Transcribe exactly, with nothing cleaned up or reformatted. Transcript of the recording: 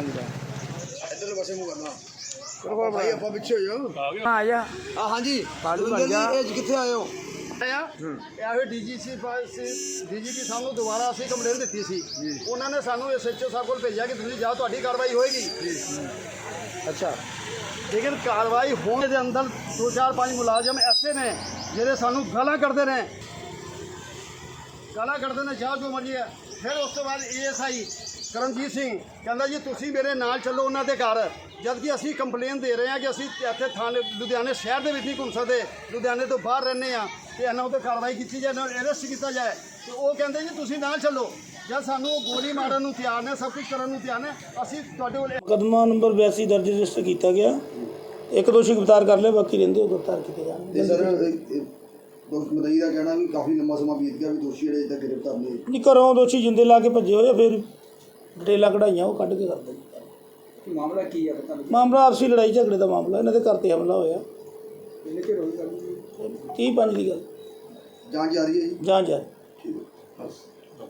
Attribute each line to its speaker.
Speaker 1: ਹਾਂਜੀ ਦਾ
Speaker 2: ਇੱਧਰਲੇ ਪਾਸੇ ਮੂੰਹ ਕਰਨਾ ਬਿਲਕੁਲ ਭਾਈ ਆਪਾਂ ਪਿੱਛੇ ਹੋ ਜਾਓ
Speaker 1: ਆ ਜਾ
Speaker 2: ਆ ਹਾਂਜੀ
Speaker 1: ਬਾਲੂ ਬਣ ਗਿਆ
Speaker 2: ਇਹ ਕਿੱਥੇ ਆਏ ਹੋ ਇਹ ਡੀਜੀਸੀ ਡੀਜੀਪੀ ਸਾਨੂੰ ਦੁਬਾਰਾ ਅਸੀਂ ਕੰਪਲੇਂਟ ਦਿੱਤੀ ਸੀ ਉਹਨਾਂ ਨੇ ਸਾਨੂੰ ਐਸਐਚਓ ਸਾਹਿਬ ਕੋਲ ਭੇਜਿਆ ਕਿ ਤੁਸੀਂ ਜਾਓ ਤੁਹਾਡੀ ਕਾਰਵਾਈ ਹੋਏਗੀ ਅੱਛਾ ਲੇਕਿਨ ਕਾਰਵਾਈ ਹੋਣ ਦੇ ਅੰਦਰ ਦੋ ਚਾਰ ਪੰਜ ਮੁਲਾਜ਼ਮ ਐਸੇ ਨੇ ਜਿਹੜੇ ਸਾਨੂੰ ਗਾਲਾਂ ਕੱਢਦੇ ਨੇ ਗਾਲਾਂ ਕੱਢਦੇ ਨੇ ਜਾਓ ਜੋ ਮਰਜ਼ੀ ਹੈ। ਫਿਰ ਉਸ ਤੋਂ ਬਾਅਦ ਏਐਸਆਈ ਕਰਮਜੀਤ ਸਿੰਘ ਕਹਿੰਦਾ ਜੀ ਤੁਸੀਂ ਮੇਰੇ ਨਾਲ ਚੱਲੋ ਉਹਨਾਂ ਦੇ ਘਰ ਜਦ ਕਿ ਅਸੀਂ ਕੰਪਲੇਨ ਦੇ ਰਹੇ ਹਾਂ ਕਿ ਅਸੀਂ ਇੱਥੇ ਥਾਣੇ ਲੁਧਿਆਣੇ ਸ਼ਹਿਰ ਦੇ ਵਿੱਚ ਨਹੀਂ ਘੁੰਮ ਸਕਦੇ ਲੁਧਿਆਣੇ ਤੋਂ ਬਾਹਰ ਰਹਿੰਦੇ ਹਾਂ ਤੇ ਇਹਨਾਂ ਉੱਤੇ ਕਾਰਵਾਈ ਕੀਤੀ ਜਾਏ ਇਹਨਾਂ ਨੂੰ ਅਰੈਸਟ ਕੀਤਾ ਜਾਏ ਤੇ ਉਹ ਕਹਿੰਦੇ ਜੀ ਤੁਸੀਂ ਨਾਲ ਚੱਲੋ ਜਦ ਸਾਨੂੰ ਉਹ ਗੋਲੀ ਮਾਰਨ ਨੂੰ ਤਿਆਰ ਨੇ ਸਭ ਕੁਝ ਕਰਨ ਨੂੰ ਤਿਆਰ ਨੇ ਅਸੀਂ ਤੁਹਾਡੇ ਕੋਲ
Speaker 3: ਮੁਕੱਦਮਾ ਨੰਬਰ ਬਿਆਸੀ ਦਰਜ ਰਜਿਸਟਰ ਕੀਤਾ ਗਿਆ ਇੱਕ ਦੋਸ਼ੀ ਗ੍ਰਿਫਤਾਰ ਕਰ ਲਿਆ ਬਾਕੀ ਰਹਿੰਦੇ ਉਹ ਗ੍ਰਿਫਤਾਰ ਕੀਤੇ ਜਾਣਗੇ।
Speaker 2: ਸਰ ਮਦਈ ਦਾ ਕਹਿਣਾ ਵੀ ਕਾਫੀ ਲੰਮਾ ਸਮਾਂ ਬੀਤ ਗਿਆ ਵੀ ਦੋਸ਼ੀ ਜਿਹੜੇ ਤੱਕ ਗ੍ਰਿਫਤਾਰ ਨਹੀਂ
Speaker 3: ਨਹੀਂ ਘਰੋਂ ਦੋਸ਼ੀ ਜਿੰਦੇ ਲਾ ਕੇ ਭੱਜੇ ਹੋਏ ਆ ਫਿਰ ਡਿਟੇਲਾਂ ਕਢਾਈਆਂ ਉਹ ਕੱਢ ਕੇ ਕਰਦੇ ਨੇ।
Speaker 2: ਮਾਮਲਾ ਕੀ ਹੈ ਪਤਾ
Speaker 3: ਮਾਮਲਾ ਆਪਸੀ ਲੜਾਈ ਝਗੜੇ ਦਾ ਮਾਮਲਾ ਇਹਨਾਂ ਦੇ ਘਰ 'ਤੇ ਹਮਲਾ ਹੋਇਆ
Speaker 2: ਕਿੰਨੇ ਚਿਰ ਹੋਈ ਗੱਲ
Speaker 3: ਤੀਹ ਪੰਜ ਦੀ ਗੱਲ
Speaker 2: ਜਾਂਚ ਜਾਰੀ ਹੈ ਜੀ
Speaker 3: ਜਾਂਚ ਹੈ।
Speaker 2: ਠੀਕ ਹੈ ਬਸ